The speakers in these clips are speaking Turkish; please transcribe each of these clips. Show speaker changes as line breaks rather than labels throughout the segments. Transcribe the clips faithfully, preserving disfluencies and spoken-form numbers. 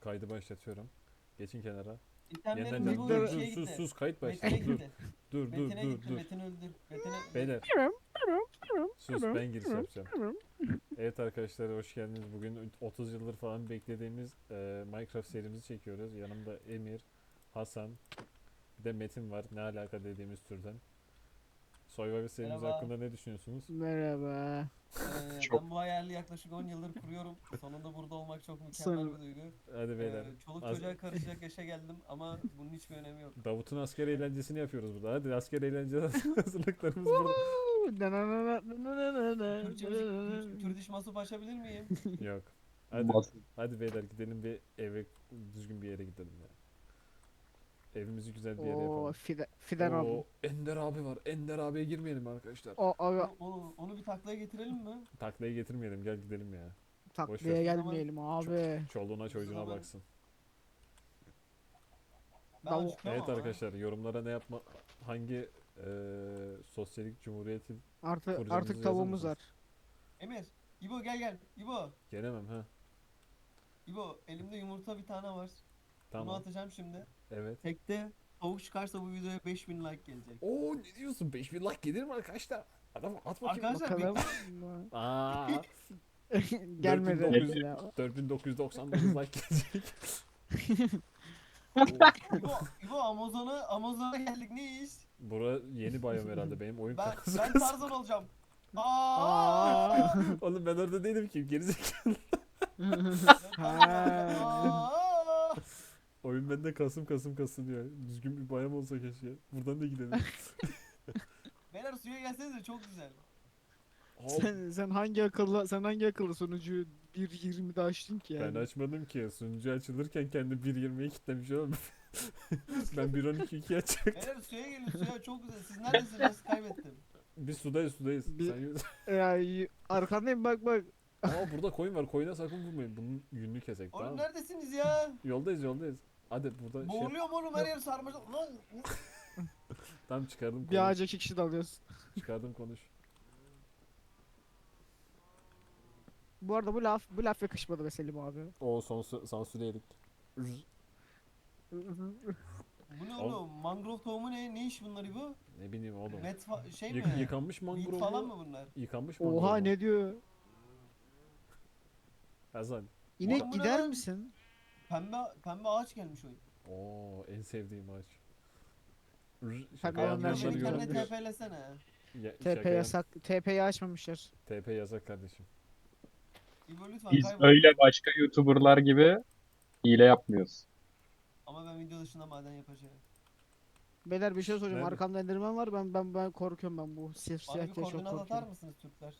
kaydı başlatıyorum. Geçin kenara. Yeniden
İtemlerim
can.
bu
Dur dur
şeye
sus
gitti.
sus kayıt
Metin'e
başladı. Dur.
gitti.
Dur dur
Metin'e
dur
gitti.
dur.
Metin öldür. Metin'e... Me-
Beyler sus ben giriş yapacağım. Evet arkadaşlar hoş geldiniz. Bugün otuz yıldır falan beklediğimiz e, Minecraft serimizi çekiyoruz. Yanımda Emir, Hasan, bir de Metin var. Ne alaka dediğimiz türden. Survivor serimiz
Merhaba.
hakkında ne düşünüyorsunuz?
Merhaba.
Ee,
Çok
ben bu hayali yaklaşık on yıldır kuruyorum. Sonunda burada olmak çok mükemmel
Sonra
bir duygu.
Hadi beyler.
Ee, çoluk
Az-
çocuğa karışacak yaşa geldim ama bunun hiçbir önemi yok.
Davut'un asker eğlencesini yapıyoruz burada. Hadi asker eğlence hazırlıklarımız burada.
Türkçe müzik, Türk, Türk diş masup açabilir miyim?
Yok. Hadi.
Mas-
Hadi beyler gidelim bir eve düzgün bir yere gidelim ya. Evimizi güzel bir yere
Oo,
yapalım.
Fide, Fidan abi.
Oo, Ender abi var. Ender abiye girmeyelim arkadaşlar.
O abi
Onu, onu, onu bir taklaya getirelim mi?
Taklaya getirmeyelim. Gel gidelim ya.
taklaya
ver.
gelmeyelim abi.
Çoluğuna çocuğuna
zaman-
baksın.
Ben
Davul-
acıkıyorum
Evet
ama.
arkadaşlar yorumlara ne yapma hangi eee sosyalik cumhuriyeti
Artı
kuracağımızı
artık
yazar
tavuğumuz
mısınız?
var.
Emir. İbo gel gel. İbo.
Gelemem ha.
İbo elimde yumurta bir tane var. Bunu
Tamam.
atacağım şimdi.
Evet.
Tekte tavuk çıkarsa bu videoya beş bin like gelecek.
Oo ne diyorsun? beş bin like gelir mi arkadaşlar? Adam at bakayım.
Arkadaşlar
Bakalım.
Aa,
Gelmedi
dört bin dokuz yüz
ya.
dört bin dokuz yüz doksan dokuz like gelecek.
İbo, İbo Amazon'a Amazon'a geldik ne iş?
Bura yeni biyom herhalde benim oyun
Ben
kasası.
ben Tarzan olacağım. Aa!
Aa.
Oğlum ben orada değilim ki gerizekalı.
Ben Tarzan olacağım.
Ha.
Aa!
Oyun bende kasım kasım kasınıyor. Düzgün bir bayram olsa keşke. Buradan da gidelim.
Beyler suya gelsenize çok güzel.
Hop.
sen, sen hangi akıllı sen hangi akıllı sonucu bir yirmide açtın ki
Ben
yani?
açmadım ki. Sunucu açılırken kendi bir yirmiye kilitlemiş oğlum. Ben bir on iki iki açacak.
Beyler suya gelin suya çok güzel. Siz neredesiniz? Kaybettim.
Biz sudayız sudayız.
Bir-
Sen yürü.
Ya y- arkandayım bak bak.
Aa burada koyun var. Koyuna sakın vurmayın. Bunun yününü kesek tamam
Oğlum
mı?
neredesiniz ya?
Yoldayız yoldayız. Hadi burada şey...
Boğuluyorum oğlum her yer sarmaşık. Lan!
Tamam çıkardım
Bir
konuş.
ağaca iki kişi dalıyoruz.
Çıkardım konuş.
Bu arada bu laf bu laf yakışmadı be Selim abi.
O sansür, sansür yedik.
Bu ne
Oğlum.
oğlum? Mangrove tohumu ne? Ne iş bunları bu?
Ne bileyim oğlum.
Met fa- şey
Yık-
mi?
yıkanmış
Weed
mangrove
falan
mu?
mı bunlar?
Yıkanmış mangrove
Oha
mu?
ne diyor?
Hasan.
İnek
Oğlum bu ne
gider
lan?
misin?
Pembe pembe ağaç gelmiş oyun.
Oo en sevdiğim ağaç. Rrr,
Tabii
Şaka
oğlum,
yapmayanlar
her şey
Beni
güzel.
kendine
görebilir.
TP'lesene.
Ya-
T
şaka
P
yap-
yasak. T P'yi açmamışlar.
T P yasak kardeşim.
İbo lütfen
Biz
kaybol.
öyle başka YouTuber'lar gibi hile yapmıyoruz.
Ama ben video dışında maden yapacağım.
Beyler bir şey soracağım.
Nerede?
Arkamda Enderman var. Ben ben ben korkuyorum ben bu siyah
Bana
siyah
bir
diye çok
koordinat atar
korkuyorum.
mısınız Türkler?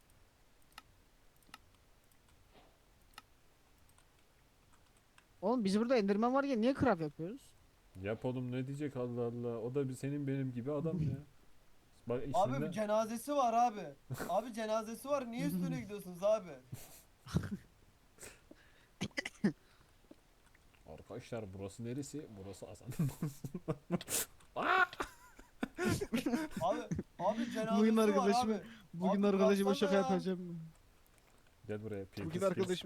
Oğlum biz burada Enderman var ya niye craft yapıyoruz?
Yap oğlum ne diyecek Allah Allah. O da bir senin benim gibi adam ya. Bak
Abi bir
isminde
cenazesi var abi. Abi cenazesi var. Niye üstüne gidiyorsunuz abi?
arkadaşlar burası neresi? Burası Hasan.
Abi abi cenazesi
Bugün
var
arkadaşımı-
abi.
Bugün
Abi
arkadaşıma şaka
bıraksana ya.
yapacağım.
Gel buraya. P V P
Bugün
skills.
arkadaşım.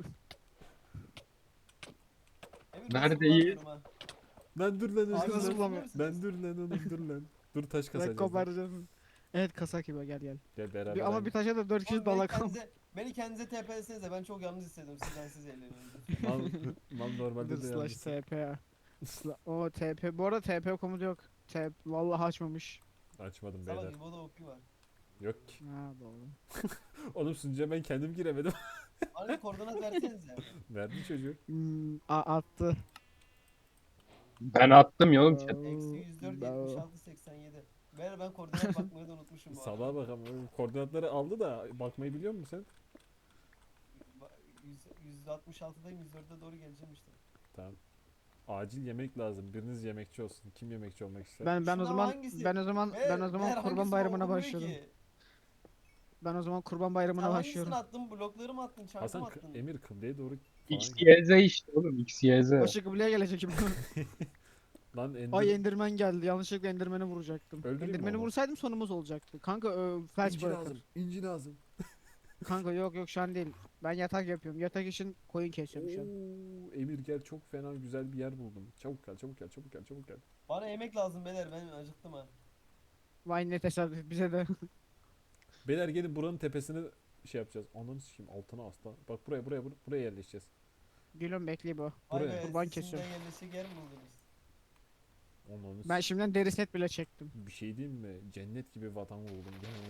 Emir, ben
Neredeyiz?
zıplamıyorum ha.
Lan dur lan
Abi
özür
nasıl
dilerim.
bulamıyor?
Lan dur lan oğlum dur lan. Dur taş
Ben
kasacağız. lan.
koparacağım. Evet kasak gibi gel gel.
Gel beraber.
Bir, ama
aynı-
bir taşa da dört kişi
Oğlum beni
dalak al.
kendinize, beni kendinize TP'lesenize ben çok yalnız hissediyorum sizden siz eğleniyorsunuz.
Mal, mal normalde de
Slash
yalnız.
T P ya. Sla- O T P. Bu arada T P komutu yok. T P vallahi açmamış.
Açmadım
Salak
beyler.
İbo'da okyu var.
Yok ki.
Ha doğru.
Oğlum sunucuya ben kendim giremedim.
Bana bir koordinat versenize.
Verdi çocuk.
Hmm, a- attı.
Ben attım ya oğlum chat.
Eksi yüz dört
Bravo.
yetmiş altı seksen yedi. Beyler ben koordinat bakmayı da unutmuşum bu arada.
Salağa bak ama koordinatları aldı da bakmayı biliyor musun sen?
Ba- yüz- yüz altmış altıdayım yüz dörde doğru geleceğim işte.
Tamam. Acil yemek lazım. Biriniz yemekçi olsun. Kim yemekçi olmak ister?
Ben ben o
Şundan
zaman
hangisi?
ben o zaman
Beyler-
ben o zaman
beyler
Kurban
hangisini
Bayramı'na
okumuyor
başladım.
ki?
Ben o zaman Kurban
Sen
Bayramı'na
hangisini
başlıyorum.
attın? Blokları mı attın? Çarkı
Hasan
mı
K-
attın?
Emir kıbleye doğru falan
X
git.
Y Z işte oğlum X Y Z.
Başı kıbleye gelecek şimdi.
Lan Ender...
Ay Enderman geldi. Yanlışlıkla Enderman'ı vuracaktım.
Öldüreyim mi
Enderman'ı
onu?
vursaydım sonumuz olacaktı. Kanka ö, felç
İnci
bırakır.
lazım. İnci lazım.
Kanka yok yok şu an değil. Ben yatak yapıyorum. Yatak için koyun kesiyorum şu an.
Oo, Emir gel, çok fena güzel bir yer buldum. Çabuk gel, çabuk gel, çabuk gel, çabuk gel.
Bana yemek lazım beyler, ben acıktım ha.
Vay ne tesadüf bize de.
Beyler gelin, buranın tepesine şey yapacağız. Ananı sikeyim, altına asla. Bak buraya, buraya, buraya, buraya yerleşeceğiz.
Gülüm bekle bu.
Vay
Buraya.
be,
Kurban
siz
kesiyorum.
şimdiden yerleşecek yer mi buldunuz?
Ananı
Ben
s-
şimdiden deri set bile çektim.
Bir şey diyeyim mi? Cennet gibi vatan buldum.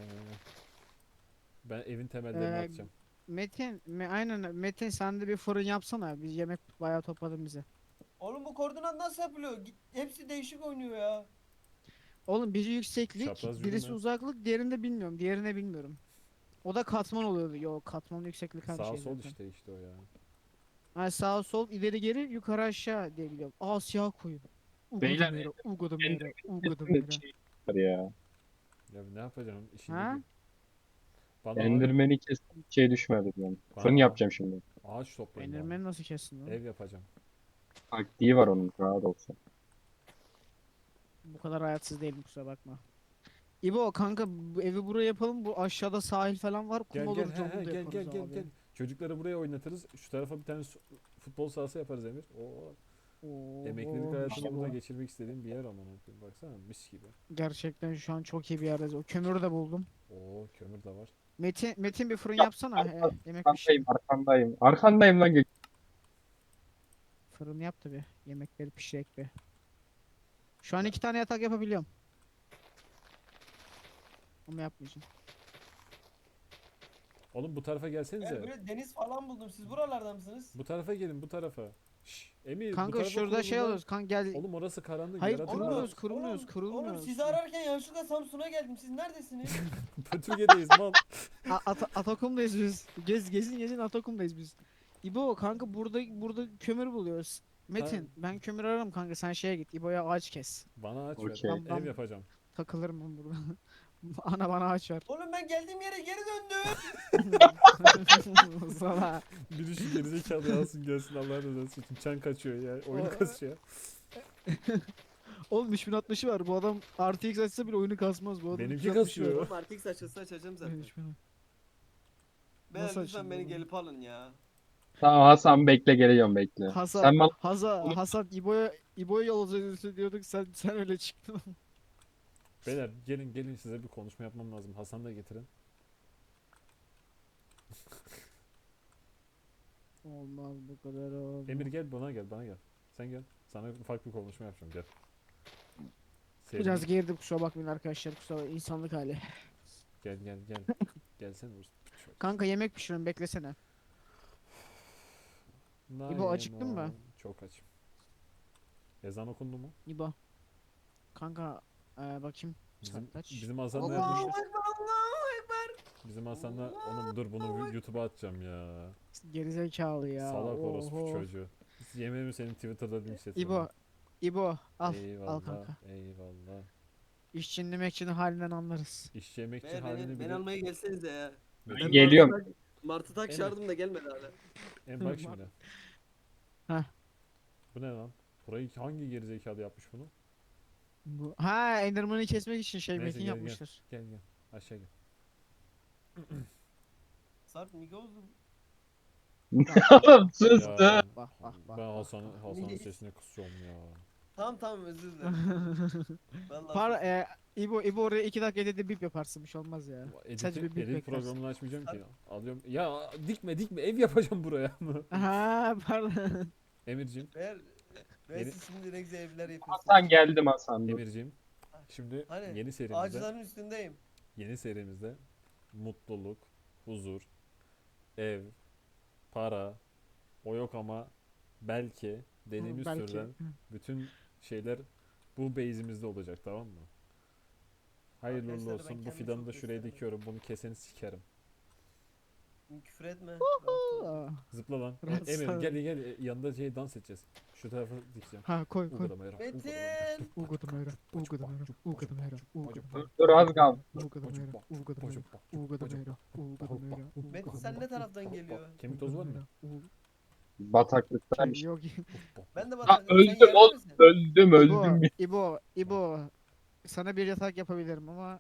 Ben evin temellerini
Ee,
atacağım.
Metin, me, aynen Metin sen de bir fırın yapsana. Biz yemek bayağı topladın bize.
Oğlum bu koordinat nasıl yapılıyor? Git, hepsi değişik oynuyor ya.
Oğlum biri yükseklik,
Çapraz
birisi
yürüme.
uzaklık, diğerini de bilmiyorum. Diğerini bilmiyorum. O da katman oluyordu. Yok katman yükseklik her
Sağ
şey
sol
zaten.
işte işte o ya.
Ha, sağ sol ileri geri yukarı aşağı diye biliyorum. Aa siyah koyun.
Beyler,
Ugadımera, ugadımera,
Enderman
ugadımera.
şey var ya.
Ya ne yapacağım? İşini
Ha?
bil. Bana ağaç,
Enderman'i kestim, hiç şey düşmedi yani.
Bana
Fırın
ağaç-
yapacağım şimdi.
ağaç toplayın bana.
Enderman'i nasıl kestin lan?
Ev yapacağım.
Taktiği var onun, rahat olsun.
Bu kadar hayatsız değilim kusura bakma. İbo kanka bu evi buraya yapalım. Bu aşağıda sahil falan var. Kum
Gel
olur
gel he,
camı
he,
da
gel
yaparız
gel gel
abi.
gel. Çocukları buraya oynatırız. Şu tarafa bir tane su- futbol sahası yaparız Emir. Oo.
Oo,
Emeklilik hayatını
işte
burada
bu.
geçirmek istediğim bir yer aman koyayım. Baksana mis gibi.
Gerçekten şu an çok iyi bir yerdeyiz. O kömürü de buldum.
Oo, kömür de var.
Metin Metin bir fırın
Ya,
yapsana. He, yemek
Arkandayım,
pişir.
arkandayım. Arkandayım lan. Gök.
Fırın yap tabi. Yemekleri pişirek bir. Şu an iki tane yatak yapabiliyorum. Ama yapmayacağım.
Oğlum bu tarafa
Ben
gelsenize.
böyle deniz falan buldum. Siz buralarda mısınız?
Bu tarafa gelin, bu tarafa. Şşş, Emir bu
Kanka
tarafa
şurada
kurulun
şey
lan.
alıyoruz. Kanka gel.
Oğlum orası karanlık.
Hayır,
yaratık
kurulmuyoruz,
var.
kurulmuyoruz,
Oğlum,
kurulmuyoruz.
Oğlum sizi ararken yanlışlıkla Samsun'a geldim. Siz neredesiniz?
Pötürge'deyiz mal.
A- Ata- Atakum'dayız biz. Gez gezin gezin Atakum'dayız biz. İbo kanka burada burada kömür buluyoruz. Metin ben kömür ararım kanka sen şeye git İbo'ya ağaç kes.
Bana ağaç ver.
Okey.
Ben- ben-
Ev yapacağım.
Takılırım ben burada. Ana bana ağaç ver.
Oğlum ben geldiğim yere geri döndüm.
Sana.
Biri şu gerizekalı alsın gelsin, Allah razı olsun. Çan kaçıyor ya. Oyunu
O-
kasıyor.
Oğlum üç bin altmışı var. Bu adam R T X açsa bile oyunu kasmaz bu adam.
Benimki
üç bin altmışı var.
kasıyor.
Oğlum artık açılsa açacağım zaten.
üç bin.
Beyler
Nasıl
lütfen
açıldı
beni
oğlum?
gelip alın ya.
Tamam Hasan, bekle, geliyorum, bekle.
Hasan,
Sen bana
Hasan, Hasan İbo'ya İbo'ya yol alacağız diyorduk sen sen öyle çıktın.
Beyler gelin gelin, size bir konuşma yapmam lazım. Hasan da getirin.
Olmaz bu kadar olmaz.
Emir gel, bana gel, bana gel. Sen gel. Sana ufak bir konuşma yapacağım, gel.
Biraz
Sevdim.
gerdim kusura bakmayın arkadaşlar kusura bakmayın. İnsanlık hali.
Gel gel gel. Gelsene Urus.
Kanka yemek pişiriyorum beklesene. İbo, acıktın mı?
Çok açım. Ezan okundu mu?
İbo. Kanka ee, bakayım.
Bizim,
Saat kaç?
bizim Hasan
Allahu
nerede?
Allahu Ekber, Allahu Ekber.
Bizim Hasan'la oğlum dur bunu YouTube'a atacağım ya.
Gerizekalı ya.
Salak orospu
Oho.
çocuğu. Yemeğimi senin Twitter'da linçletim.
İbo. İbo al.
Eyvallah,
Al kanka.
eyvallah.
İşçinin emekçinin halinden anlarız.
İşçi emekçi
Beyler
halini
beni,
bile...
beni almaya gelsenize ya.
Ben
Ben
geliyorum.
Martı, Martı tak
Evet.
çağırdım da gelmedi hala.
En bak şimdi.
Heh.
Bu ne lan? Burayı hangi gerizekalı yapmış bunu?
Bu. Ha Enderman'ı kesmek için şey
Neyse,
Metin
gel, gel.
yapmıştır.
Gel gel. Aşağı gel.
Sarp Mika oldum.
Oğlum sus
Ya,
da.
Bak, bak, bak,
ben
bak,
Hasan'ın
bak.
Hasan'ın
Niye?
sesine kısıyorum ya.
Tamam tamam özür dilerim. Vallahi
Par
sus.
e, İbo İbo oraya iki dakika dedi bip yaparsın bir şey olmaz ya.
Edit,
Sadece bir bip
edit
beklersin.
programını açmayacağım ki. Alıyorum. Ya dikme dikme, ev yapacağım buraya.
Ha pardon.
Emircim,
Beyler, ben
Yeni-
siz şimdi ne güzel evler yapıyorsunuz.
Hasan geldim Hasan. Dur.
Emircim. Şimdi
Hani,
yeni serimizde,
Ağaçların üstündeyim.
yeni serimizde mutluluk, huzur, ev, para, o yok ama belki dediğimiz
Belki.
türden bütün şeyler bu base'imizde olacak, tamam mı? Hayırlı uğurlu
Arkadaşlar, ben
olsun. Bu
kendimi
fidanı
çok
da şuraya
gösteremem.
dikiyorum. Bunu keseni sikerim.
Küfür etme. rahat ol.
Aa.
Zıpla lan. E,
Rahatsız
Emir
oldum.
gel gel, e, yanında şey dans edeceğiz. Şu tarafa dikeceğim.
Ha koy koy.
Ugadama yara.
Metin!
Ugadamera, Ugadamera, Ugadamera, Ugadamera.
Dur, dur, az kaldı.
Ugadamera, Ugadamera, Ugadamera, Ugadamera.
Metin sen ne taraftan geliyor?
Kemik tozu var mı?
Bataklıktaymış.
Yok.
Ben de
Ha,
batarım. Sen
öldüm
yerde
oğlum.
misin?
Öldüm
İbo,
öldüm.
İbo, İbo. Sana bir yatak yapabilirim ama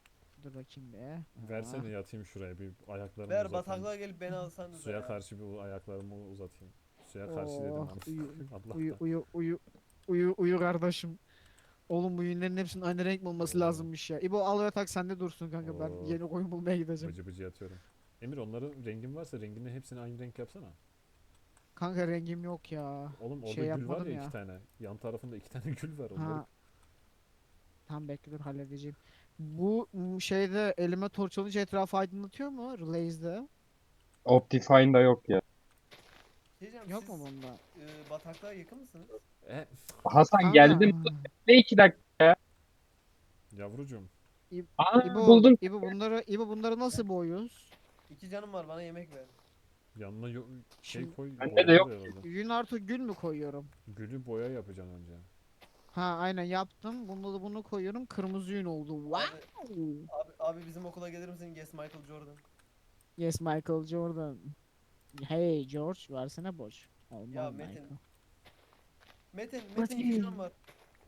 dur bakayım be.
Versene yatayım şuraya bir ayaklarımı
Ver
uzatayım.
bataklığa gelip beni alsanız
Suya
ya.
karşı bir ayaklarımı uzatayım. Suya karşı dedim
Oh,
ama.
uyu,
Allah
uyu,
da.
uyu, uyu, uyu, uyu kardeşim. Oğlum bu yünlerin hepsinin aynı renk mi olması
Oo.
lazımmış ya. İbo al ve tak sende dursun kanka. Ben
Oo.
yeni koyun bulmaya gideceğim.
Bıcı bıcı yatıyorum. Emir onların rengin varsa rengini hepsini aynı renk yapsana.
Kanka rengim yok ya.
Oğlum orada
Şey
gül var
yapmadım
ya,
ya.
iki tane. Yan tarafında iki tane gül var. Onları
Ha. Tam bekle dur halledeceğim. Bu m, şeyde elime torç alınca etrafı aydınlatıyor mu? Relays'de.
Optifine'da yok ya.
Şey diyeceğim,
Yok
siz
mu bunda?
e, bataklığa yakın mısınız?
E,
Hasan
Kanka.
geldin. Ne iki dakika?
yavrucuğum.
İb-
Aa
İbo,
buldum.
İbo bunları, İbo bunları nasıl boyuyoruz?
İki canım var, bana yemek ver.
Yanına yo- şey
Şimdi
koy.
Bende
Boya
de yok.
herhalde.
yün artı gül mü koyuyorum?
Gülü boya yapacaksın önce.
Ha aynen yaptım. Bunu da bunu koyuyorum. Kırmızı yün oldu. Wow.
Abi, abi bizim okula gelir misin? Yes Michael Jordan.
Yes Michael Jordan. Hey George versene boş. Olmaz
Ya
Michael.
Metin. Metin, Metin iki canım var.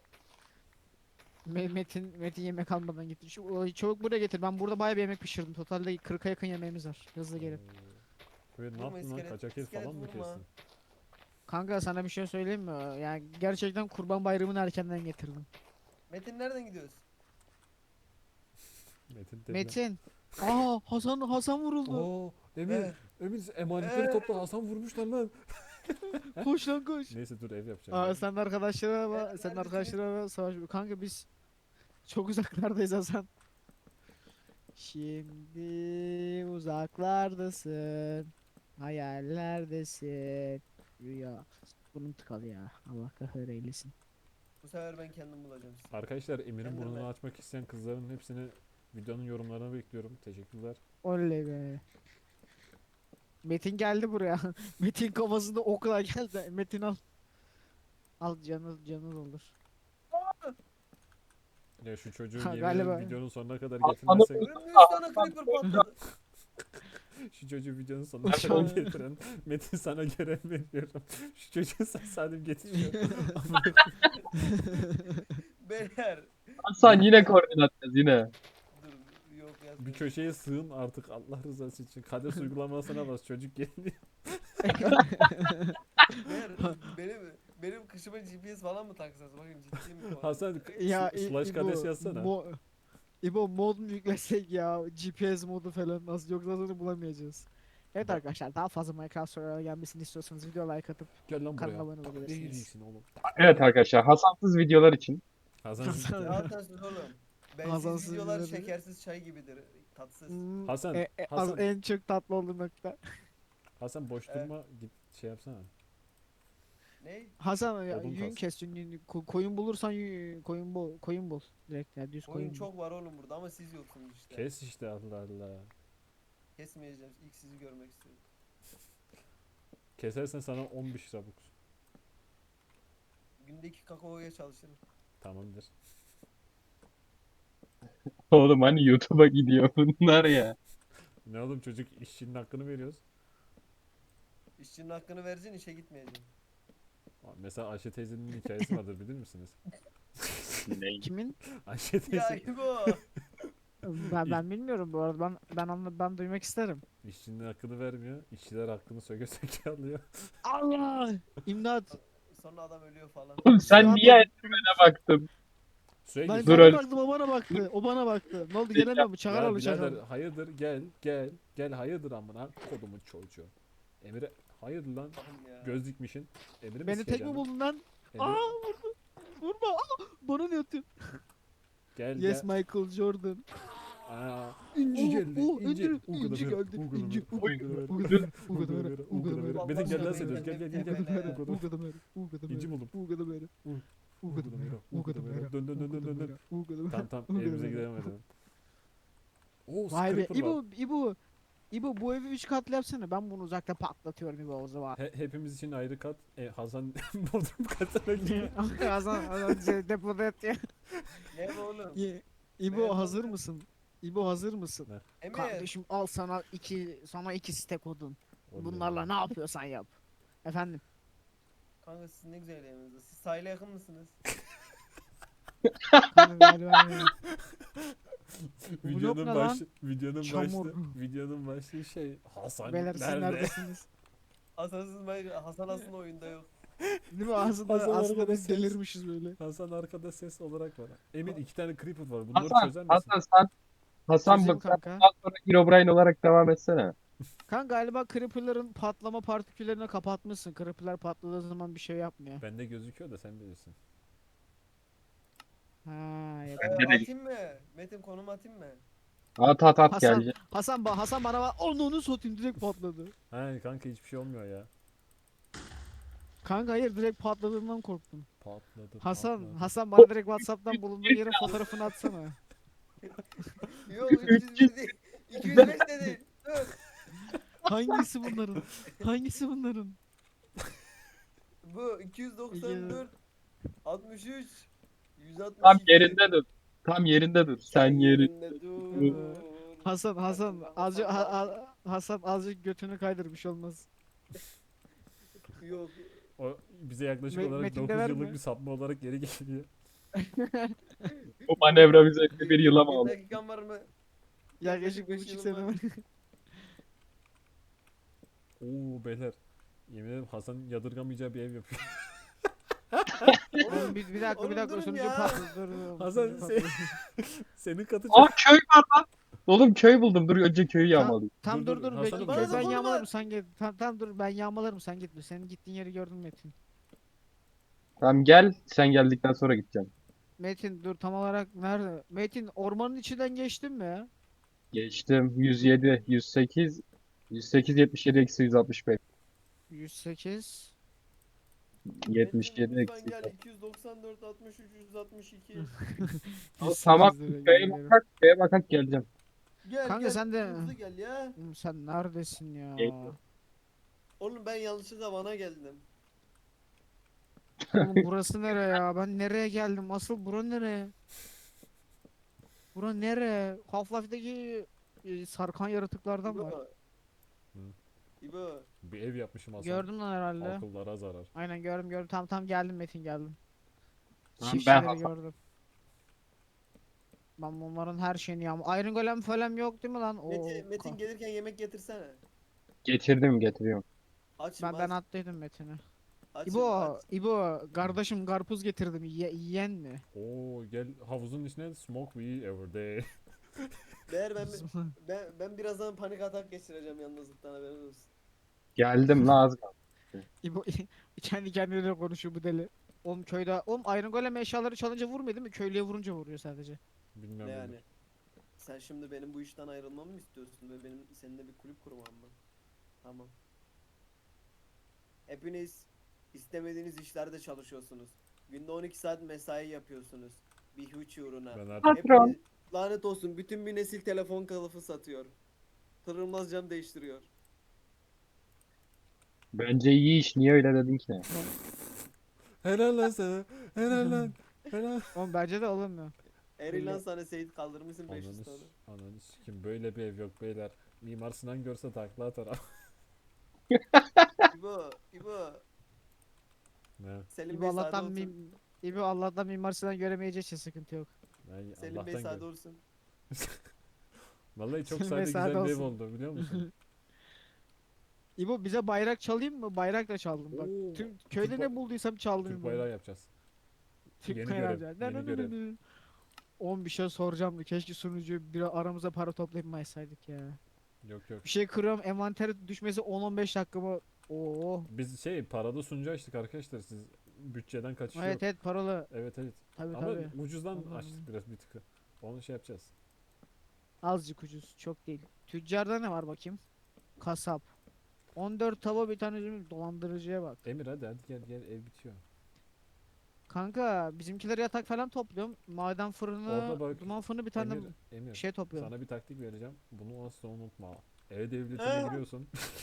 Me- Metin Metin yemek almadan gitti. Şu o- çabuk buraya getir. Ben burada bayağı bir yemek pişirdim. Totalde kırka yakın yemeğimiz var. Hızlı gelin.
Oo. Ve ne
Vurma
yaptın lan?
iskelet-
Kaçak el
iskelet
falan mı
vurma.
kestin?
Kanka sana bir şey söyleyeyim mi? Yani gerçekten Kurban Bayramı'nı erkenden getirdim.
Metin nereden gidiyoruz?
Metin dedi.
Metin. Aa Hasan Hasan vuruldu.
Oo, Emir.
Ver.
Emir emanetleri
Ee.
topla. Hasan vurmuşlar lan.
Koş lan koş.
Neyse dur ev yapacağım.
Aa
ya.
sen de arkadaşlara
Evet,
bak. Sen de
neredesiniz?
arkadaşlara savaş. Kanka biz çok uzaklardayız Hasan. Şimdi uzaklardasın. Hayallerdesin. Rüya. Bunun tıkalı ya. Allah kahır eylesin.
Bu sefer ben kendim bulacağım sizi.
Arkadaşlar Emir'in
Kendim
burnunu
ben.
açmak isteyen kızların hepsini videonun yorumlarına bekliyorum. Teşekkürler.
Oley be. Metin geldi buraya. Metin kafasında okla geldi. Metin al. Al canı canı olur.
Ya şu çocuğu
Ha,
yemin
galiba.
ederim videonun sonuna kadar
Hasan'ı
getirmezsek
Önümde üç tane creeper patladı.
şu çocuğu videonun sonuna
Uçağı-
kadar getiren Metin sana görev veriyorum. Şu çocuğu sen salim getiriyor.
Beyler.
Hasan yine koordinat yaz yine.
Dur yok
Bir
yazmıyorum.
köşeye sığın artık Allah rızası için. Kades uygulamasına bas çocuk geliyor.
Beyler benim benim kışıma G P S falan mı taksanız? Bakayım ciddi mi? bu?
Hasan
ya
sl- slash
İbo,
kades yazsana.
mo- İbo mod mu yüklesek ya? G P S modu falan nasıl yoksa sonra bulamayacağız. Evet
Bak-
arkadaşlar daha fazla Minecraft sorulara gelmesini istiyorsanız video like atıp
Gel lan
kanala
buraya.
abone
Ne
olabilirsiniz.
yiyeceksin oğlum?
Evet arkadaşlar Hasansız videolar için.
Hasan,
Hasan-
Ya Hasansız oğlum. Bensiz
Hasansız
videolar
videoları-
şekersiz çay gibidir. Tatsız.
Hmm,
Hasan,
e- e- az-
Hasan.
en çok tatlı olduğu nokta.
Hasan boş
Evet.
durma git şey yapsana.
Ne?
Hasan ya
Odun
yün
kas.
kes yün, yün- ko- koyun bulursan yün, koyun bul koyun bul direkt ya düz koyun,
Oyun
bul.
çok var oğlum burada ama siz yoksunuz işte.
Kes işte Allah Allah.
Kesmeyeceğim. İlk sizi görmek istiyorum.
Kesersen sana on beş rabuk.
Gündeki kakaoya çalışırım.
Tamamdır.
Oğlum hani YouTube'a gidiyor bunlar ya.
Ne oğlum çocuk işçinin hakkını veriyoruz.
İşçinin hakkını vereceksin, işe gitmeyeceksin.
Mesela Ayşe teyzenin hikayesi vardır bilir misiniz?
Ne?
Kimin?
Ayşe
Ya
teyze
İbo.
Ben ben bilmiyorum bu arada ben ben anla ben duymak isterim.
işçinin hakkını vermiyor. İşçiler hakkını söke söke alıyor.
Allah! İmdat!
Sonra adam ölüyor falan.
Oğlum sen
Suya
niye
atladım.
Enderman'e baktın?
Suya
Ben
gir.
Dur
bana
öyle.
baktım o bana baktı. O bana baktı. Ne oldu gelemiyor mu? Çakar
Ya
oğlu çakar.
birader hayırdır gel gel gel hayırdır amına kodumun çocuğu. Emir'e hayırdır lan
Allah'ım ya.
göz dikmişin. Emir'i mi
Beni tek mi
sikeceksin lan?
buldun lan?
Emir,
Aa vurdu. Vurma. Aa, bana ne atıyorsun?
gel
Yes
gel.
Michael Jordan.
Aa, inci geldi.
Oh,
inci.
inci,
Uğur'da
inci
ver,
geldi.
Uğur'da
İnci,
ver,
Uğur'da
Uğur'da ver,
Uğur'da ver, Uğur'da ver,
Uğur'da
Uğur'da
ver.
ver.
Metin gel lan
Allah
sen
aşkına,
gel gel gel
Uğur'da
gel.
ver.
Uğur'da ver.
Uğur'da ver, Uğur'da ver.
İnci buldum.
Uğur'da ver.
Uğur.
Uğur'da ver, Uğur'da ver.
Dön dön dön dön dön dön.
Uğur'da ver.
Tamam tamam
Uğur'da
evimize
ver.
gidelim hadi. Oo
Vay be.
Scraper var.
İbo, İbo. İbo bu evi üç katlı yapsana. Ben bunu uzakta patlatıyorum İbo o zaman.
He- hepimiz için ayrı kat. E, Hasan Bodrum katına gidiyor.
Hasan, Hasan şey, depoda yatıyor.
Ne bu oğlum?
İ- İbo
Merhaba.
hazır mısın? İbo hazır mısın?
Emir.
Kardeşim al sana iki sana iki stek odun.
Oley.
Bunlarla ne yapıyorsan yap. Efendim.
Kanka siz ne güzel yanınızda. Siz sahile yakın mısınız?
Kanka galiba öyle. Bu blok
videonun
ne
baş,
lan?
videonun
Çamur.
başlığı, videonun başlığı şey Hasan
Beyler siz
nerede?
neredesiniz?
Hasan'sız ben Hasan aslında oyunda yok.
Değil mi? Aslında,
Hasan
aslında
arkada
biz
ses.
delirmişiz böyle.
Hasan arkada ses olarak var. Emir iki tane creeper var. Bunları
Hasan,
çözer misin?
Hasan sen Hasan
Çözeyim
bak sen
kanka.
bundan sonra Herobrine olarak devam etsene.
Kanka galiba creeper'ların patlama partiküllerini kapatmışsın. Creeper'lar patladığı zaman bir şey yapmıyor.
Bende gözüküyor da sen bilirsin.
Ha,
Ee,
yapıyor.
Bende de-
atayım mı? Metin konum atayım mı?
At at at
Hasan,
gelecek.
Hasan, ba Hasan bana bak. Onu onu satayım direkt patladı.
He kanka hiçbir şey olmuyor ya.
Kanka hayır direkt patladığından korktum.
Patladı
Hasan,
patladı.
Hasan bana direkt Whatsapp'tan bulunduğu yerin fotoğrafını atsana.
Yok üç yüz bir değil. iki yüz beş dedi. Dur.
Hangisi bunların? Hangisi bunların?
Bu iki yüz doksan dört altmış üç yüz altmış iki.
Tam yerinde dur. Tam yerinde dur. Sen yeri.
yerinde dur.
Hasan, Hasan,
Hasan
azıcık ha-
var.
ha- Hasan azıcık götünü kaydır bir şey olmaz.
Yok.
O bize yaklaşık
Me-
olarak
Metin'de
dokuz
verme.
yıllık bir sapma olarak geri geliyor.
Bu manevra bize bir yıla mı
Bir
aldı?
dakikan var mı?
Yaklaşık bir
beş
buçuk
yılım
sene
var.
var.
Oo beyler. Yemin ederim Hasan yadırgamayacağı bir ev yapıyor.
Oğlum bir, bir dakika
Oğlum
bir dakika
durun
sunucu
ya.
patladı. Dur, dur,
Hasan
sunucu
sen-
patladı.
Senin katı
Aa
çok...
köy var lan. Oğlum köy buldum. Dur önce köyü
Tam,
yağmalayayım.
tam
Dur,
dur
dur,
dur,
Hasan'ım
bekle.
bana
Köy
da
ben
konu
yağmalarım
ver.
sen git. Tam, tam dur ben yağmalarım sen gitme. Senin gittiğin yeri gördüm Metin.
Tamam gel. Sen geldikten sonra gideceğim.
Metin dur tam olarak nerede? Metin ormanın içinden geçtin mi ya?
Geçtim. yüz yedi, yüz sekiz, yüz sekiz, yetmiş yedi, eksi yüz altmış beş.
yüz sekiz.
yetmiş yedi,
Metin, lütfen
eksi
gel iki yüz doksan dört altmış üç yüz altmış iki.
Tamam.
yüz sekiz lira
Köye
geliyorum.
bakak, köye bakak geleceğim.
Gel
Kanka
gel.
sen de-
Hızlı gel ya.
Oğlum sen neredesin ya?
Geliyorum.
Oğlum ben yanlışlıkla bana geldim.
Oğlum burası nere ya? Ben nereye geldim? Asıl bura nere? Bura nere? Half-Life'deki e, sarkan yaratıklardan var.
İbo.
Hı.
İbo.
Bir ev yapmışım Hasan.
Gördün lan herhalde.
Akıllara zarar.
Aynen gördüm gördüm. Tam tam geldim Metin geldim.
Tamam, ben
Çiftçileri
Hasan.
gördüm. Ben bunların her şeyini yağma. Iron Golem falan yok değil mi lan? Oo,
Metin, Metin
ka-
gelirken yemek getirsene.
Getirdim getiriyorum.
Açım
ben ben
aç.
attıydım Metin'i.
Açım
İbo,
aç.
İbo kardeşim karpuz getirdim. Ye yiyen mi?
Oo gel havuzun içine smoke we every day.
Değer ben, ben, ben birazdan panik atak geçireceğim yalnızlıktan haberiniz olsun.
Geldim la az kaldı.
İbo kendi kendine konuşuyor bu deli. Oğlum köyde, oğlum Iron Golem eşyaları çalınca vurmuyor değil mi? Köylüye vurunca vuruyor sadece.
Bilmem
Ne
ne.
yani? Sen şimdi benim bu işten ayrılmamı mı istiyorsun ve benim seninle bir kulüp kurmam mı? Tamam. Hepiniz istemediğiniz işlerde çalışıyorsunuz. Günde on iki saat mesai yapıyorsunuz. Bir huç uğruna.
Ben artık
Patron.
Hepiniz, lanet olsun bütün bir nesil telefon kılıfı satıyor. Kırılmaz cam değiştiriyor.
Bence iyi iş. Niye öyle dedin ki?
helal lan sana. Helal lan. Helal.
Oğlum bence de olmuyor.
Erilan sana Seyit kaldırmışsın beş yüz
Ananı,
tane.
s- ananı sikim böyle bir ev yok beyler. Mimar Sinan görse takla atar.
İbo, İbo.
ne?
Selim
İbo
Bey sağda
Allah'tan
olsun.
mim İbo Allah'tan Mimar Sinan göremeyeceği için sıkıntı yok.
Yani
Selim Bey
Allah'tan
sağda
gör.
olsun.
Vallahi çok
Selim
sade
Bey
güzel
sade
bir ev
olsun.
oldu biliyor musun?
İbo bize bayrak çalayım mı? Bayrak da çaldım bak.
Oo,
Tüm köyde
Türk
ne
ba-
bulduysam çaldım.
Türk
İbo.
bayrağı yapacağız.
Türk
Yeni
bayrağı
görev,
yapacağız.
yeni görev.
Oğlum bir şey soracağım. Keşke sunucuyu bir aramıza para toplayıp mı açsaydık ya.
Yok yok.
Bir şey kırıyorum envantere düşmesi on on beş dakikamı. Oo.
Biz şey paralı sunucu açtık arkadaşlar siz bütçeden kaçış
Evet
yok.
evet paralı.
Evet evet.
Tabi
Ama
tabi.
ucuzdan
Anladım.
açtık biraz bir tıkı. Onu şey yapacağız.
Azıcık ucuz. Çok değil. Tüccarda ne var bakayım? Kasap. on dört tava bir tane üzüm dolandırıcıya bak.
Emir hadi hadi gel gel ev bitiyor.
Kanka bizimkiler yatak falan topluyorum. Maden fırını,
Orada bak,
duman fırını bir tane
Emir, Emir
şey topluyorum.
sana bir taktik vereceğim. Bunu asla unutma. Ev devletine
Ee?
giriyorsun.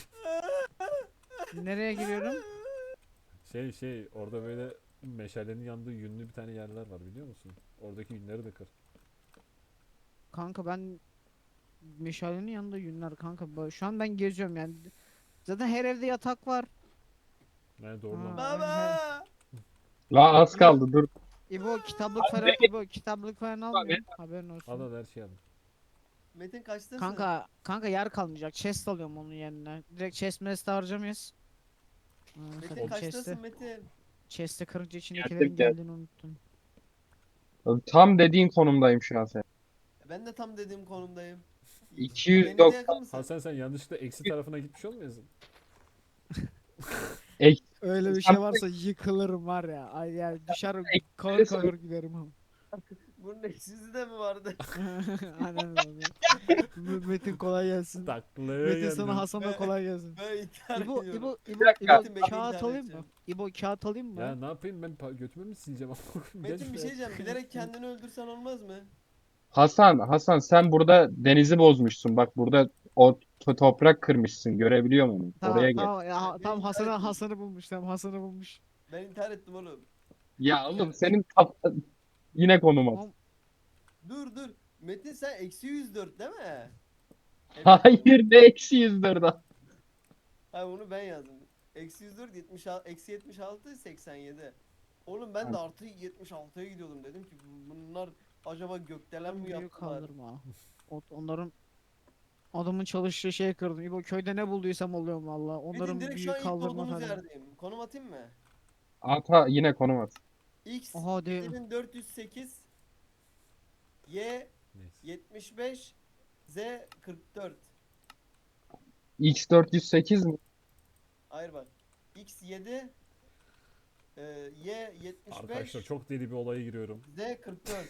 Nereye giriyorum?
Şey şey orada böyle meşalenin yandığı yünlü bir tane yerler var biliyor musun? Oradaki yünleri de kır.
Kanka ben meşalenin yanında yünler kanka. Ba- Şu an ben geziyorum yani. Zaten her evde yatak var.
Yani doğru lan.
Ha.
Baba!
La az kaldı dur.
İbo kitaplık falan, İbo kitaplık falan almıyorum. Haberin
Al
olsun.
al her şeyi al.
Metin kaçtasın?
Kanka kanka yer kalmayacak. Chest alıyorum onun yerine. Direkt chest mest harcamayız. Aa,
Metin
sakın chest'i.
kaçtasın Metin?
Chest'i kırınca
Geldim
içindekilerin
geldim.
geldiğini unuttum.
Tam dediğin konumdayım şu an sen.
Ben de tam dediğim konumdayım. Denize
iki yüz doksan
yakın mısın?
Hasan sen yanlışlıkla eksi tarafına gitmiş olmayasın?
ek,
Öyle bir
sen
şey varsa yıkılırım var ya. Ay yani düşer
ek-
kahır kahır giderim ama.
Bunun eksisi de mi vardı?
Aynen öyle. M- Metin kolay gelsin.
Taklaya
Metin sana
geldim.
Hasan'a
Ben-
kolay gelsin.
Ben intihar
İbo,
ediyorum.
İbo, İbo,
Bir dakika.
İbo
Metin bekle,
kağıt
intihar
alayım mı?
edeceğim.
İbo kağıt alayım mı?
Ya ne yapayım ben pa- götümü mü sileceğim? Gel
Metin bir şey
şuraya.
diyeceğim. Bilerek kendini öldürsen olmaz mı?
Hasan, Hasan sen burada denizi bozmuşsun. Bak burada o to- toprak kırmışsın. Görebiliyor musun?
Tamam
Oraya gel.
tamam ya,
Beni
tamam
intihar
Hasan'ı
ettin.
Hasan'ı bulmuş tamam Hasan'ı bulmuş.
Ben intihar ettim oğlum.
Ya oğlum senin kaf- yine konum at.
Tamam,
Dur dur. Metin sen eksi yüz dört değil mi? Evet.
Hayır ne eksi yüz dört.
Hayır onu ben yazdım. Eksi yüz dört, yetmiş altı, eksi yetmiş altı, seksen yedi. Oğlum ben de artı yetmiş altıya gidiyordum. Dedim ki bunlar acaba gökdelen mi
büyük
yaptılar?
kaldırma. O- Onların adamın çalıştığı şeyi kırdım. İbo köyde ne bulduysam oluyorum valla. Onların
Metin direkt şu an
büyük
ilk
kaldırma
doğduğumuz
tarzı.
yerdeyim. Konum atayım mı?
Ata yine konum at.
X
Oha değil mi?
yedi bin dört yüz sekiz, Y
Neyse.
yetmiş beş, Z kırk dört.
X dört yüz sekiz mi?
Hayır bak. X yedi, e, Y yetmiş
Arkadaşlar
beş,
çok deli bir olaya giriyorum.
Z kırk dört.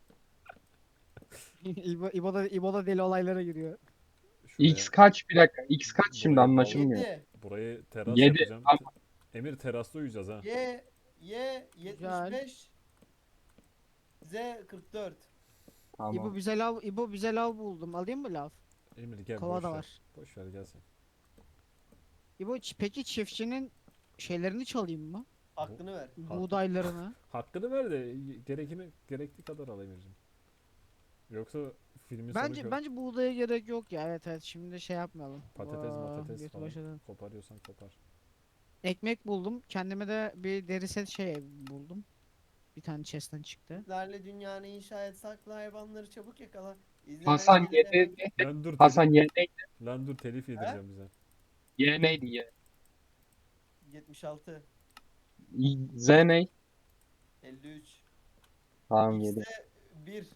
İbo, İbo da, İbo da deli olaylara giriyor.
Şuraya,
X kaç bir dakika. X kaç şimdi
Burayı
anlaşılmıyor.
yedi,
burayı teras
Yedi.
yapacağım.
Tamam.
Te- Emir terasta uyuyacağız ha.
Y Y yetmiş beş, Z kırk dört.
İbo
Tamam.
bize lav, İbo bize lav buldum. Alayım mı lav?
Emir gel
Kova
boş
da
ver.
var.
Boş ver gelsin.
İbo ç- peki çiftçinin şeylerini çalayım mı?
Hakkını ver.
Buğdaylarını.
Hakkını ver de gerekini gerektiği kadar al Emir'cim. Yoksa filmin sonu
Bence
kö-
bence buğdaya gerek yok ya. Evet evet şimdi şey yapmayalım.
patates
Aa,
matates
götü
falan
başladı.
koparıyorsan kopar.
Ekmek buldum. Kendime de bir deri set şey buldum. Bir tane chest'ten çıktı.
Bizlerle dünyanı inşa et, sakla hayvanları çabuk yakala. İzle
Hasan
belgeseli hemen-
yedi.
Lan dur
Hasan
telif,
Y neydi?
lan dur telif yedireceğim bize.
Y neydi Y?
yetmiş altı,
Z ne?
elli üç.
Tamam yedi.
X'de bir.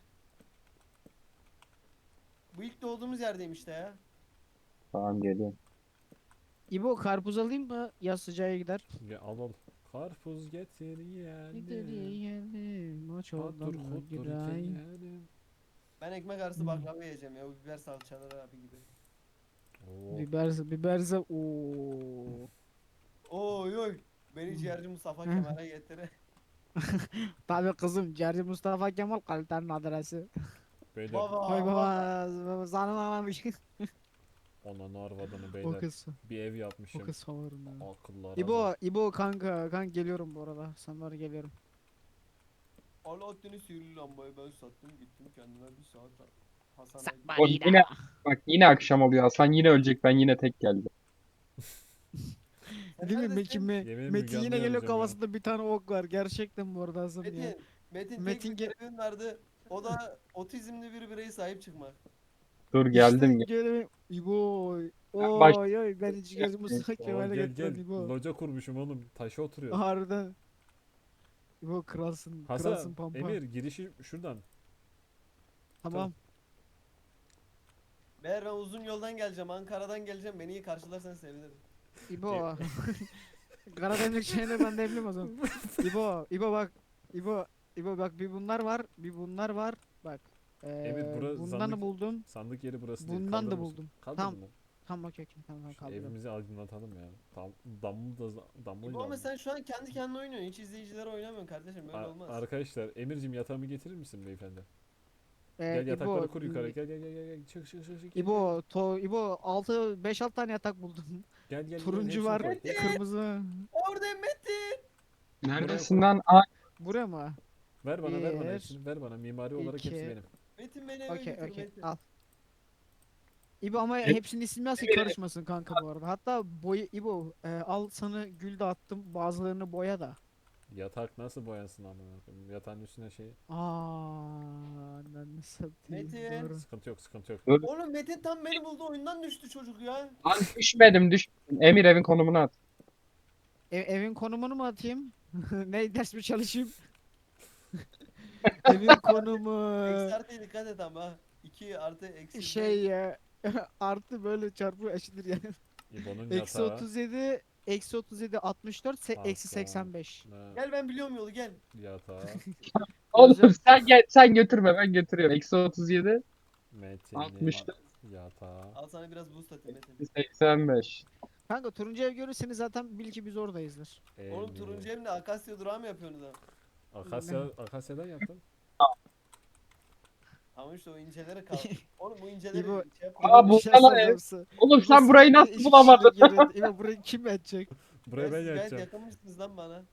Bu ilk doğduğumuz yerdeyim işte ya.
Tamam geliyorum.
İbo karpuz alayım mı? Yaz sıcağa gider.
Ya al al. Karpuz getir
Gider
yiyelim.
yiyelim. O
Patır
çoldan
kutur
giray.
yiyelim.
Ben ekmek arası
Hmm.
baklava yiyeceğim ya. Bu biber salçaları abi gibi.
Oo.
Biberse biberse ooo.
Oy oy. Beni ciğerci Mustafa Kemal'e getir.
Tabii kızım Cerci Mustafa Kemal kalitenin adresi.
Beyler
Baba.
Koy
baba.
baba zanamamış.
ananı arvadını
O
beyler.
kız.
Bir ev
O
yapmışım.
kız favorim ya.
Akıllara bak.
İbo, İbo kanka, kanka geliyorum bu arada. Sana geliyorum.
Alaaddin'in sihirli lambayı ben sattım gittim kendime bir saat Hasan'a
O yine bak yine akşam oluyor. Hasan yine ölecek. Ben yine tek geldim.
Sen
Değil mi
neredesin?
Metin?
Yemin
Metin
Müge
yine
Anlı'yı
geliyor
arayacağım ya.
kafasında bir tane ok var. Gerçekten bu arada Hasan ya.
Metin. Metin,
Metin
tek bir
ge-
görevin vardı. O da otizmli bir bireye sahip çıkmak.
Dur geldim.
İşte gelelim. İbo.
Ben baş-
Oy oy ben hiç Cerci Mustafa
Oo,
Kemal'e
gel
getiren
gel.
İbo.
Loca kurmuşum oğlum. Taşa oturuyor.
Harbiden. İbo kralsın. kralsın
Hasan,
pampa.
Emir girişi şuradan.
Tamam.
Meğer ben uzun yoldan geleceğim. Ankara'dan geleceğim. Beni iyi karşılarsan sevinirim.
İbo. Karademlik şeyini ben de bilmiyorum o zaman. İbo, İbo bak. İbo, İbo bak bir bunlar var, bir bunlar var. Bak. Ee,
Evet, bura
bundan
zandık-
da buldum.
Sandık yeri burası değil.
Bundan da
Kaldırır mısın?
buldum.
Kaldırdın
Tamam.
mı?
Tamam okey okey tamam tamam
Şu
kaldırdım.
evimizi aydınlatalım ya. Dam, damlı da damlı
İbo ama sen şu an kendi kendine oynuyorsun. Hiç izleyicilere oynamıyorsun kardeşim. Böyle olmaz.
Arkadaşlar Emir'cim yatağımı getirir misin beyefendi?
Ee,
Gel yatakları
İbo,
kur yukarı. Gel gel gel gel gel. Çık çık çık çık.
İbo, to, İbo altı beş altı tane yatak buldum.
Gel gel. gel,
Turuncu
hepsini
var,
koy. Hepsini-
kırmızı.
Orada Metin.
Neredesin lan? Aa,
Buraya mı?
Ver bana ver bana
Bir,
hepsini. Ver bana mimari olarak hepsi
iki.
benim.
Metin beni eve
Okey
götür
okey
Metin.
al. İbo ama
Em-
hepsinin ismi nasıl karışmasın kanka bu arada. Hatta boy İbo e, al sana gül de attım bazılarını boya da.
Yatak nasıl boyansın amına koyayım? Yatağın üstüne şey.
Aa, ananı satayım.
Metin.
Doğru.
Sıkıntı yok, sıkıntı yok.
Dur.
Oğlum Metin tam beni buldu oyundan düştü çocuk ya.
Lan düşmedim düşmedim. Emir evin konumunu at.
Ev- evin konumunu mu atayım? Ne ders mi çalışayım? Evin konumu
Eksi artıya dikkat et ama. iki artı eksi.
şey ya artı böyle çarpı eşittir yani.
İbo'nun
Eksi
yatağı.
otuz yedi eksi otuz yedi altmış dört se- eksi
Hasan.
seksen beş.
Ne?
Gel ben biliyorum yolu gel.
Yatağı.
Oğlum
Hocam-
sen gel sen götürme ben götürüyorum. Eksi otuz yedi,
Metin'in
altmış dört,
yatağı.
Al sana biraz boost atayım Metin.
seksen beş.
Kanka turuncu ev görürseniz zaten bil ki biz oradayızdır.
Oğlum
Emir.
turuncu evle Akasya durağı mı yapıyorsunuz ha?
Akasya, Akasya'dan yaptım.
Ama işte o incelere kaldı. Oğlum bu inceleri
İbo-
şey yap.
Aa,
İbo,
bu
bir şey
falan
soracağım
ev.
size.
Oğlum
İbo,
sen burayı
sıkıntı
nasıl
iki kişilik
bulamadın?
yeri- İbo burayı kim edecek?
Buraya
Ya
ben
siz gayet
yatacağım.
yakınmışsınız lan bana.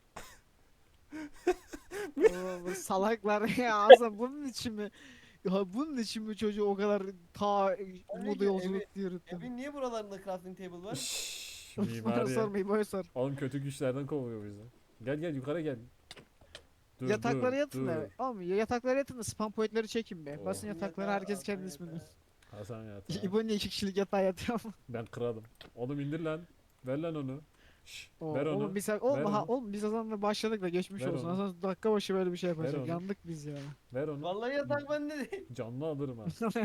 Oo, bu salaklar ya Azam bunun için mi? Ya bunun için mi çocuğu o kadar ta Umuda
ki
yolculuk diye yürüttüm.
Evin niye buralarında crafting table var?
Şşş,
Bana
mimari.
sorma İbo'ya sor.
Oğlum kötü güçlerden kovuyor bizi. Gel gel yukarı gel. Dur,
Yataklara
dur,
yatın
dur.
da. Oğlum ya yataklara yatın da spam pointleri çekin be.
Oh.
Basın yataklara
Yatağı
herkes
al,
kendi
sen
ismini.
yatağı.
Hasan yatağı.
İbo niye iki kişilik yatağa yatıyor ama?
Ben kralım. Oğlum indir lan. Ver lan onu. Şşş,
Oo,
ver onu.
Oğlum biz,
ver
oğlum, ha,
onu.
oğlum biz Hasan'la başladık da geçmiş
Ver
olsun.
onu.
Hasan dakika başı böyle bir şey yapacak.
onu.
Yandık biz ya.
Ver onu.
Vallahi yatak bende değil.
Canlı alırım ha.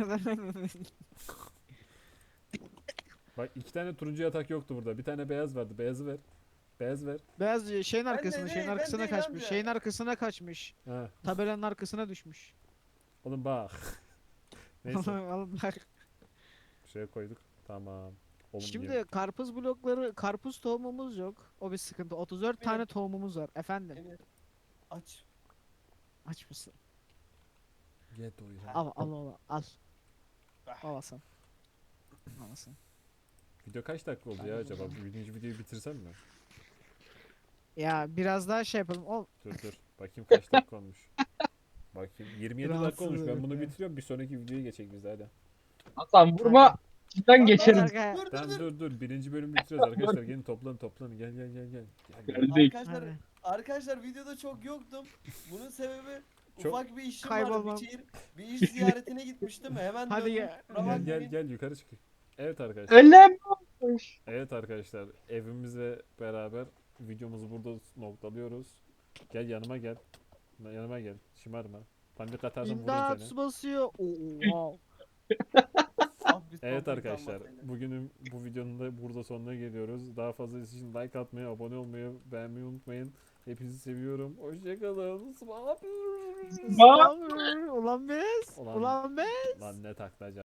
Bak iki tane turuncu yatak yoktu burada. Bir tane beyaz vardı. Beyazı ver. Beyaz ver.
Beyaz şeyin
Ben de
arkasına, şeyin
değil, ben
arkasına
değil
kaçmış.
amca.
Şeyin arkasına kaçmış.
Ha.
Tabelanın arkasına düşmüş.
Oğlum bak. Neyse.
Oğlum bak.
Şuraya koyduk. Tamam. Oğlum
Şimdi
yirmi-
karpuz blokları, karpuz tohumumuz yok. O bir sıkıntı. otuz dört
Benim-
tane tohumumuz var. Efendim,
Emir. Aç.
aç mısın?
Gel doyur.
Al, al, al, al.
Ah.
Al Hasan. Al Hasan.
Video kaç dakika oldu ya acaba? Birinci videoyu bitirsem mi?
Ya biraz daha şey yapalım. Ol.
Dur dur. Bakayım kaç dakika olmuş. Bakayım. yirmi yedi dakika
Rahatsız
olmuş. Ben
herif
bunu
ya.
bitiriyorum. Bir sonraki videoya geçecek biz hadi.
Hasan vurma. İçinden
Lan,
geçeriz.
Kanka,
Dur dur
Tamam
dur.
dur dur. Birinci bölümü bitiriyoruz arkadaşlar. Gelin toplanın toplanın. Gel gel gel gel. Gel, gel.
Geldik.
Arkadaşlar,
hadi.
arkadaşlar videoda çok yoktum. Bunun sebebi
Çok-
ufak bir işim
Kaybolmam.
vardı bir şehir. Bir iş ziyaretine gitmiştim. Hemen
Hadi
döndüm.
ya.
Kusura
Gel
bakmayın.
gel gel yukarı çık. Evet arkadaşlar.
Öyle mi olmuş?
Evet arkadaşlar. Evimizle beraber videomuzu burada noktalıyoruz. Gel yanıma gel. Yanıma gel. Şımarma. Panik atarsam vururum
İmdat
seni.
su basıyor. Oo, wow.
Ah, biz
Evet
sohbet
arkadaşlar.
kalmasaydı.
Bugünün bu videonun da burada sonuna geliyoruz. Daha fazlası için like atmayı, abone olmayı, beğenmeyi unutmayın. Hepinizi seviyorum. Hoşçakalın.
Spammer. Ulan biz.
Ulan-
Ulan biz.
Lan ne taklaca.